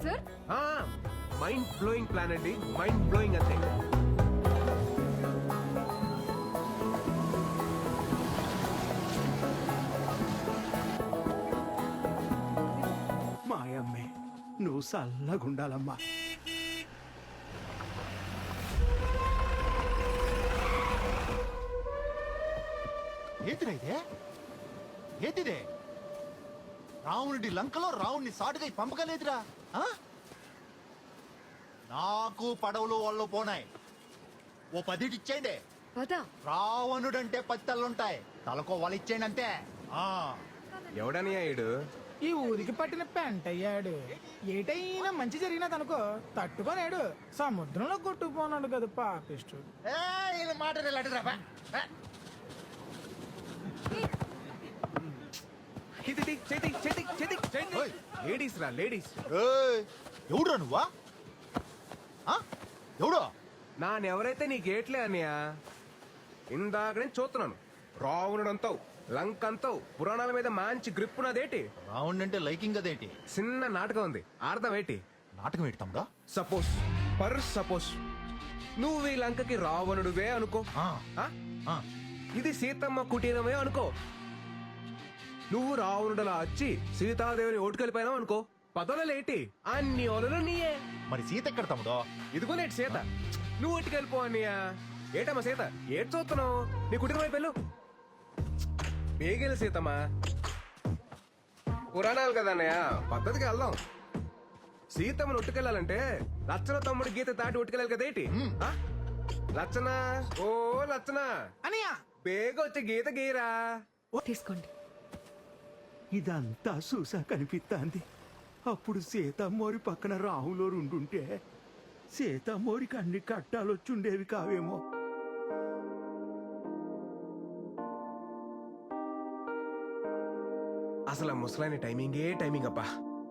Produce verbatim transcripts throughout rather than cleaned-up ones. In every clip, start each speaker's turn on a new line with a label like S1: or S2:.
S1: Sir?
S2: Mind blowing plan అండి, mind blowing అంతే.
S3: మాయమ్మే నువ్వు చల్లగుండాలమ్మా.
S4: ఏంటిదే ఇదే ఏంటిదే రావణుడి లంకలో రావణ్ణి సాటుగా పంపగలేదురా. నాకు పడవలు వాళ్ళు పోనాయి, ఓ పదిటి ఇచ్చేయండి.
S1: పదా
S4: రావణుడంటే పది తల్లుంటాయి, తలకో వాళ్ళు ఇచ్చేయండి అంతే.
S2: ఎవడని అయ్యాడు?
S5: ఈ ఊరికి పట్టిన పెంట అయ్యాడు. ఏటైనా మంచి జరిగినదనుకో తట్టుకోలేడు, సముద్రంలో కొట్టుకుపోనాడు కదా పాపిష్టు.
S4: మాట
S2: లేడీస్ రా లేడీస్.
S4: ఎవడురా నువ్వా? ఎవడో
S2: నానెవరైతే నీ గేట్లే అన్నయ్య. ఇందాక నేను చూస్తున్నాను, రావణుడు అంతావు, లంక అంతావు, పురాణాల మీద మంచి గ్రిప్ ఉన్నదేటి.
S4: రావణ్ అంటే లైకింగ్ అదేంటి?
S2: చిన్న నాటకం ఉంది, అర్థం ఏంటి?
S4: నాటకం ఏంటి తమ్ముడా?
S2: సపోజ్ పర్ సపోజ్ నువ్వు ఈ లంకకి రావణుడువే అనుకో,
S4: ఆ,
S2: ఆ?
S4: ఆ.
S2: ఇది సీతమ్మ కుటీరమే అనుకో. నువ్వు రావణుడలా వచ్చి సీతాదేవిని ఓటుకెళ్ళిపోయినావు అనుకో, పదవులేటి అన్ని ఓలలు నీయే.
S4: మరి సీత ఎక్కడ తమ్ముడో?
S2: ఇదిగో నేటి సీత, నువ్వు ఓటుకెళ్ళిపో అన్నయ్య. ఏటమ్మా సీత, ఏటి చూస్తున్నావు? నీ కుటుంబం వైపు వెళ్ళు. బేగెలు సీతమ్మా, పురాణాలు కదా అన్నయ్య, పద్ధతికి వెళ్దాం. సీతమ్మను ఒట్టుకెళ్ళాలంటే లచ్చన తమ్ముడు గీత దాటి ఒట్టుకెళ్ళాలి కదేటి. ఆ? లచ్చన, ఓ లచ్చన,
S5: అనియా
S2: బేగ వచ్చి గీత గీరా.
S1: తీసుకోండి.
S3: ఇదంతా చూసా కనిపిస్తాంది. అప్పుడు సీతమ్మోరి పక్కన రాహులోరు ఉండుంటే సీతమ్మోరికి అన్ని కట్టాలొచ్చుండేవి కావేమో.
S2: అసలు ఆ ముసలాయన టైమింగే టైమింగ్ అబ్బా.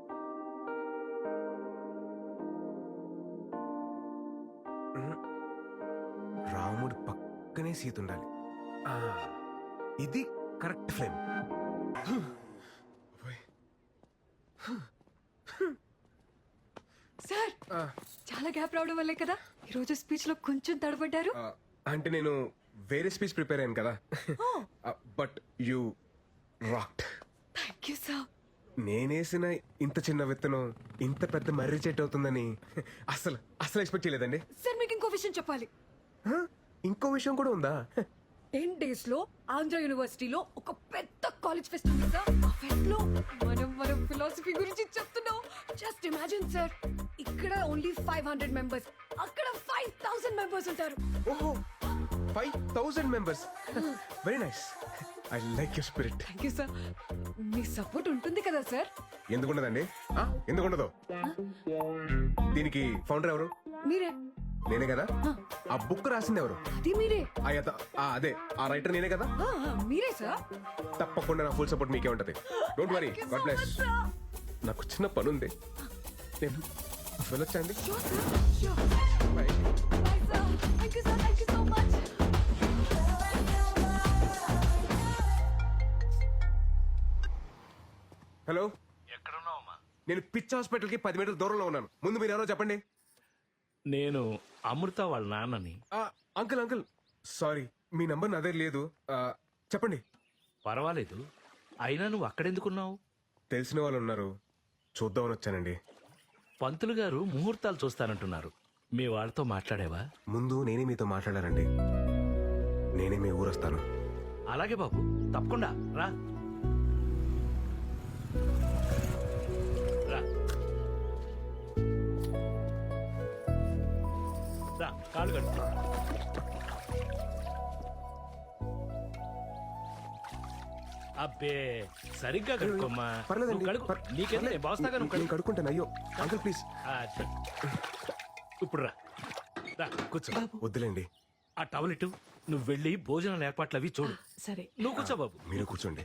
S2: రాముడు పక్కనే సీత ఉండాలి. ఆ, ఇది కరెక్ట్ ఫ్రేమ్.
S1: సార్, చాలా గ్యాప్ రావడం వల్లే కదా ఈ రోజు స్పీచ్ లో కొంచెం తడబడ్డారు.
S2: ఆ, అంటే నేను వేరే స్పీచ్ ప్రిపేర్ అయ్యాను కదా, but you rocked.
S1: Thank you sir.
S2: నేనేసిన ఇంత చిన్న విత్తనం ఇంత పెద్ద మర్రి చెట్టు అవుతుందని అసలు అసలు ఎక్స్పెక్ట్ చేయలేదండి.
S1: సార్ మీకు ఇంకో విషయం చెప్పాలి.
S2: హ? ఇంకో విషయం కూడా ఉందా?
S1: టెన్ డేస్ లో ఆంధ్ర యూనివర్సిటీలో ఒక పెద్ద కాలేజ్ ఫెస్ట్ ఉంది సార్. ఆ ఫెస్ట్ లో మనం మనం ఫిలాసఫీ గురించి చెప్తున్నాం. జస్ట్ ఇమాజిన్ సార్, ఇక్కడ ఓన్లీ ఫైవ్ హండ్రెడ్ మెంబర్స్, అక్కడ ఫైవ్ థౌసండ్ మెంబర్స్ ఉంటారు.
S2: ఓహో, five thousand members. Very nice, I like your spirit.
S1: Thank you sir. మీ సపోర్ట్ ఉంటుంది కదా సార్?
S2: ఎందుకుండదండి, ఎందుకుండదు? దీనికి ఫౌండర్ ఎవరు?
S1: మీరే.
S2: నేనే కదా. ఆ బుక్ రాసింది ఎవరు?
S1: అది మీరే.
S2: ఆ యత- ఆ అదే ఆ రైటర్ నేనే కదా.
S1: ఆ, ఆ, మీరే సార్.
S2: తప్పకుండా నా ఫుల్ సపోర్ట్ మీకే ఉంటది. Don't worry,
S1: Thank you
S2: god
S1: so
S2: bless.
S1: much, sir.
S2: నాకు చిన్న పని ఉంది, నేను వెళ్ళొచ్చండి.
S1: Sure, sir. Sure.
S2: Bye.
S1: Bye, sir. Thank you, sir. Thank you so much.
S2: Hello, నేను పిచ్ హాస్పిటల్ కి పది మీటర్ల దూరంలో ఉన్నాను. ముందు మీరు ఎవరో చెప్పండి.
S6: నేను అమృత వాళ్ళ నాన్నని.
S2: ఆ, అంకుల్ అంకుల్ సారీ, మీ నంబర్ నా దగ్గర లేదు. ఆ, చెప్పండి.
S6: పర్వాలేదు, అయినా నువ్వు అక్కడెందుకున్నావు?
S2: తెలిసిన వాళ్ళు ఉన్నారు, చూద్దామని వచ్చానండి.
S6: పంతులు గారు ముహూర్తాలు చూస్తానంటున్నారు, మీ వాళ్ళతో మాట్లాడేవా?
S2: ముందు నేనే మీతో మాట్లాడారండి, నేనే మీ ఊరు వస్తాను.
S6: అలాగే బాబు, తప్పకుండా రా రా రా, కాళ్ళు కట్టు. అబ్బే, సరిగ్గా కడుక్కోమ్మా.
S2: పర్లేదండి,
S6: నువ్వు కడుక్కో.
S2: పర్-
S6: నీకేందుకు, నేను బాస్తాగా, నువ్వు
S2: నేను
S6: కడుక్కో.
S2: కడుక్కుంటాను. అయ్యో అంకుల్ ప్లీజ్.
S6: అది. ఇప్పుడు రా రా కూర్చో.
S2: వద్దులేండి,
S6: ఆ టవల్ ఇటు, నువ్వు వెళ్ళి భోజనాల ఏర్పాట్లు అవి చూడు.
S1: సరే.
S6: నువ్వు కూర్చో బాబు.
S2: మీరు కూర్చోండి.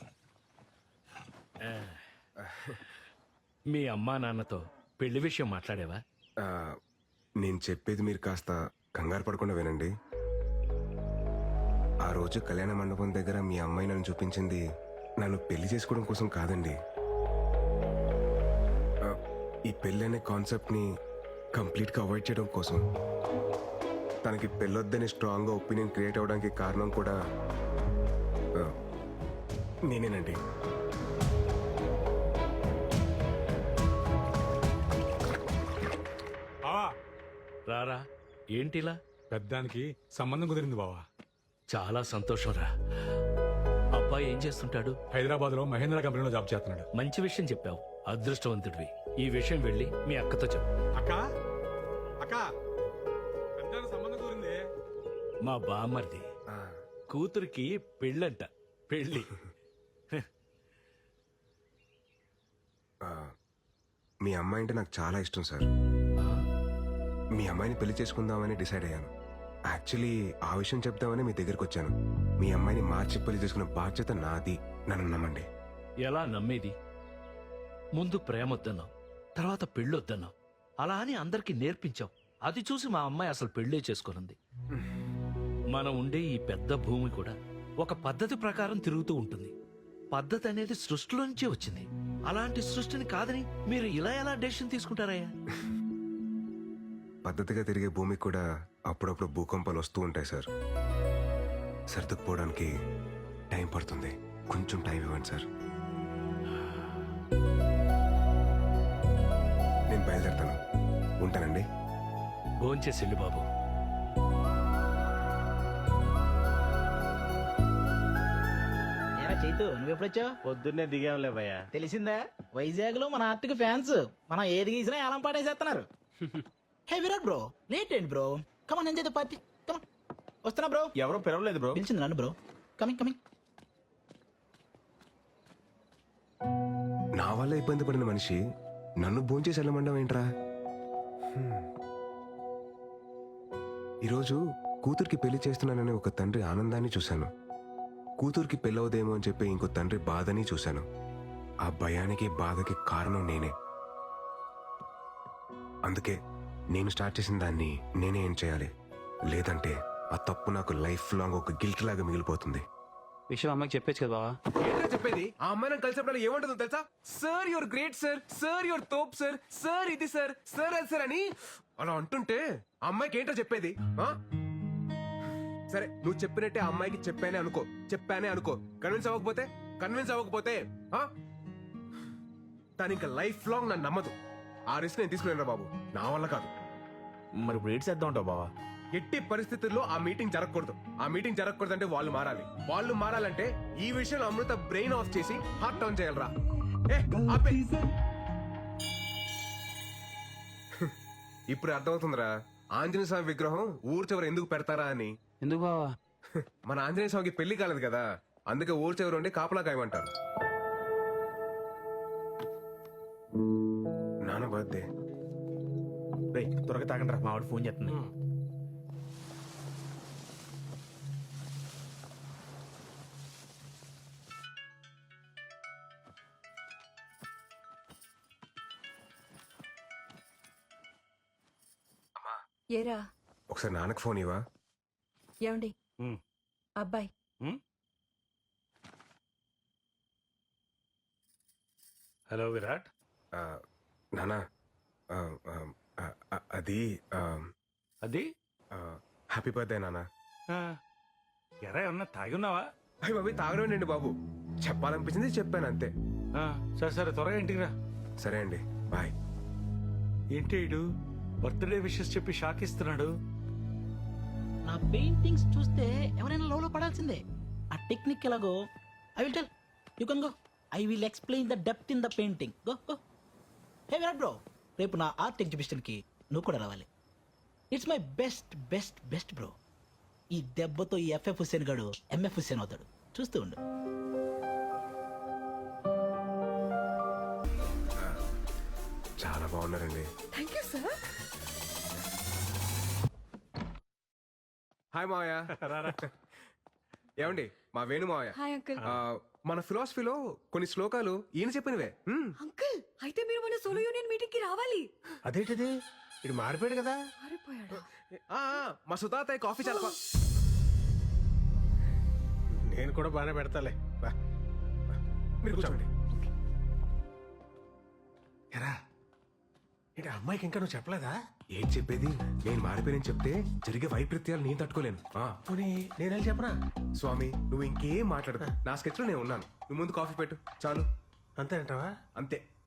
S6: మీ అమ్మా నాన్నతో పెళ్లి విషయం మాట్లాడేవా?
S2: ఆ, నేను చెప్పేది మీరు కాస్త కంగారు పడకుండా వినండి. ఆ రోజు కళ్యాణ మండపం దగ్గర మీ అమ్మాయి నన్ను చూపించింది నన్ను పెళ్లి చేసుకోవడం కోసం కాదండి. ఆ, ఈ పెళ్ళి అనే కాన్సెప్ట్ని కంప్లీట్గా అవాయిడ్ చేయడం కోసం. తనకి పెళ్ళొద్దని స్ట్రాంగ్గా ఒపీనియన్ క్రియేట్ అవ్వడానికి కారణం కూడా ఆ, నేనేనండి.
S7: బావా
S6: రారా ఏంటిలా?
S7: పెద్దానికి సంబంధం కుదిరింది బావా.
S6: చాలా సంతోషం రా. అబ్బాయి ఏం చేస్తుంటాడు?
S7: హైదరాబాద్ లో మహేంద్ర కంపెనీలో జాబ్ చేస్తున్నాడు.
S6: మంచి విషయం చెప్పావు, అదృష్టవంతుడివి. ఈ విషయం వెళ్ళి మీ అక్కతో చెప్పు.
S7: అక్క అక్క పెద్దానికి సంబంధం కుదిరింది.
S6: మా బామ్మర్ది
S2: ఆ,
S6: కూతురికి పెళ్ళంట. పెళ్ళి.
S2: ఆ, మీ అమ్మాయి అంటే నాకు చాలా ఇష్టం సార్. మీ అమ్మాయిని పెళ్లి చేసుకుందామని డిసైడ్ అయ్యాను. యాక్చువల్లీ ఆ విషయం చెప్దామని మీ దగ్గరికి వచ్చాను. మీ అమ్మాయిని మార్చి పెళ్లి చేసుకునే బాధ్యత నాది. నన్ను నమ్మండి.
S6: ఎలా నమ్మేది? ముందు ప్రేమొద్దన్నావు, తర్వాత పెళ్ళొద్దన్నావు. అలా అని అందరికీ నేర్పించావు. అది చూసి మా అమ్మాయి అసలు పెళ్ళే చేసుకునుంది. మనం ఉండే ఈ పెద్ద భూమి కూడా ఒక పద్ధతి ప్రకారం తిరుగుతూ ఉంటుంది. పద్ధతి అనేది సృష్టిలో నుంచే వచ్చింది. అలాంటి సృష్టిని కాదని మీరు ఇలా ఎలా డెసిషన్ తీసుకుంటారయ్యా?
S2: పద్ధతిగా తిరిగే భూమికి కూడా అప్పుడప్పుడు భూకంపాలు వస్తూ ఉంటాయి సార్. సర్దుకుపోవడానికి టైం పడుతుంది. కొంచెం టైం ఇవ్వండి సార్. నేను బయలుదేరుతాను. ఉంటానండి.
S6: భోంచేసి వెళ్ళు బాబు.
S8: ఏరా చైతు నువ్వెప్పుడొచ్చావు?
S9: పొద్దున్నే దిగాంలే భయ్యా.
S8: తెలిసిందా, వైజాగ్ లో మన ఆర్టిక్ ఫ్యాన్స్ మనం ఏది గీసినా ఏలం పాటేసేస్తున్నారు. హే విరాట్ బ్రో, లేట్ ఏంటి bro? Come on enjoy the party. Come on వస్తున్నా బ్రో.
S9: ఎవరో పిలవలేదు బ్రో.
S8: పిలిచింది నన్ను బ్రో. Coming coming.
S2: నా వల్ల ఇబ్బంది పడిన మనిషి నన్ను భోంచేసి వెళ్ళమండం ఏంట్రా? హ్మ్. ఈరోజు కూతురికి పెళ్లి చేస్తున్నానని ఒక తండ్రి ఆనందాన్ని చూశాను. కూతురికి పెళ్ళవదేమో అని చెప్పి ఇంకో తండ్రి బాధని చూశాను. ఆ భయానికి బాధకి కారణం నేనే. అందుకే నేను స్టార్ట్ చేసిన దాన్ని నేనే ఏం చేయాలి. లేదంటే ఆ తప్పు నాకు లైఫ్ లాంగ్ ఒక గిల్ట్ లాగా మిగిలిపోతుంది.
S9: విషయం అమ్మకి చెప్పేచ్చు కదా బావా.
S2: ఏంటో చెప్పేది? ఆ అమ్మాయి నాకు కలిసినప్పుడు ఏమంటుందో తెలుసా? Sir your great sir, sir your తోప్ సార్, సార్ ఇది సార్, సార్ అది సార్ అని అలా అంటుంటే ఆ అమ్మాయికి ఏంటో చెప్పేది? ఆ? సరే నువ్వు చెప్పినట్టే ఆ అమ్మాయికి చెప్పానే అనుకో, చెప్పానే అనుకో. కన్విన్స్ అవ్వకపోతే కన్విన్స్ అవ్వకపోతే ఆ? తను ఇంకా లైఫ్ లాంగ్ నన్ను నమ్మదు. ఆ రిస్క్ నేను తీసుకునేరా బాబు, నా వల్ల కాదు.
S9: మరి ఇప్పుడు ఏడ్ చేద్దాం ఉంటావు బావా.
S2: ఎట్టి పరిస్థితుల్లో ఆ మీటింగ్ జరగకూడదు. ఆ మీటింగ్ జరగకూడదు అంటే వాళ్ళు మారాలి. వాళ్ళు మారాలంటే ఈ విషయంలో అమృత బ్రెయిన్ ఆఫ్ చేసి హార్ట్ ఆన్ చేయాలరా. ఏ, ఆపే. ఇప్పుడు అర్థమవుతుందిరా ఆంజనేయ స్వామి విగ్రహం ఊరు చివర ఎందుకు పెడతారా అని.
S9: ఎందుకు బావా?
S2: మన ఆంజనేయ స్వామికి పెళ్లి కాలేదు కదా, అందుకే ఊరు చివర ఉండి కాపలా కాయమంటారు. నాన్న బర్త్డే.
S9: రేయ్ త్వరగా తాగండి రా, మా వాడు ఫోన్ చేస్తుంది.
S1: ఏరా
S2: ఒకసారి నాన్నకు ఫోన్ ఇవ్వా.
S1: ఏమండి
S6: ఉమ్.
S1: అబ్బాయి
S6: హలో విరాట్.
S2: ఆ, నాన్న ఆ, ఆ, ఆ, ఆ, అది
S6: అది
S2: హ్యాపీ బర్త్డే నాన్న.
S6: ఎరా ఏమన్నా తాగి ఉన్నావా?
S2: అయ్యి బాబు తాగడండి బాబు, చెప్పాలనిపించింది చెప్పాను అంతే.
S6: సరే సరే త్వరగా ఇంటికి రా.
S2: సరే అండి, బాయ్.
S6: ఏంటి ఇడు బర్త్డే విషెస్ చెప్పి షాక్ ఇస్తున్నాడు?
S8: నా పెయింటింగ్స్ చూస్తే ఎవరైనా లోలో పడాల్సిందే. ఆ టెక్నిక్ ఎలాగో I will tell you can go. I will explain the depth in the painting. Go go. Hey Virat bro, రేపు నా ఆర్ట్ ఎగ్జిబిషన్కి నువ్వు కూడా రావాలి. It's my best best best bro. ఈ దెబ్బతో ఈ ఎఫ్ఎఫ్ హుస్సేన్ గాడు ఎంఎఫ్ హుస్సేన్ అవుతాడు. చూస్తూ ఉండు.
S2: చాలా బాగున్నారండి.
S1: Thank you sir.
S2: హాయ్ మావయ్య. ఏమండి మా వేణు మావయ్య.
S1: Hi uncle.
S2: ఆ, మన ఫిలాసఫీలో కొన్ని శ్లోకాలు ఈయన చెప్పినవే. హ్మ్.
S1: అంకుల్ అయితే మీరు మన సోలో యూనియన్ మీటింగ్ కి రావాలి.
S9: అదేంటిది ఇది మారిపోయాడు కదా.
S1: మారిపోయాడా?
S2: ఆ, ఆ, మా సుతాతయ్య కాఫీ చాలా బా-
S9: నేను కూడా బాగానే పెడతాలే.
S2: మీరు కూర్చోండి.
S9: ఎరా
S7: ఏంటి అమ్మాయికి ఇంకా నువ్వు చెప్పలేదా?
S2: ఏం చెప్పేది? నేను మారిపోయానని చెప్తే జరిగే వైపరీత్యాలు నేను తట్టుకోలేను. ఆ,
S7: పోనీ నేను వెళ్ళి చెప్పనా?
S2: స్వామి నువ్వు ఇంకేం మాట్లాడదు. నా స్కెచ్ లో నేను ఉన్నాను. నువ్వు ముందు కాఫీ పెట్టు చాలు.
S7: అంతే అంటావా?
S2: అంతే.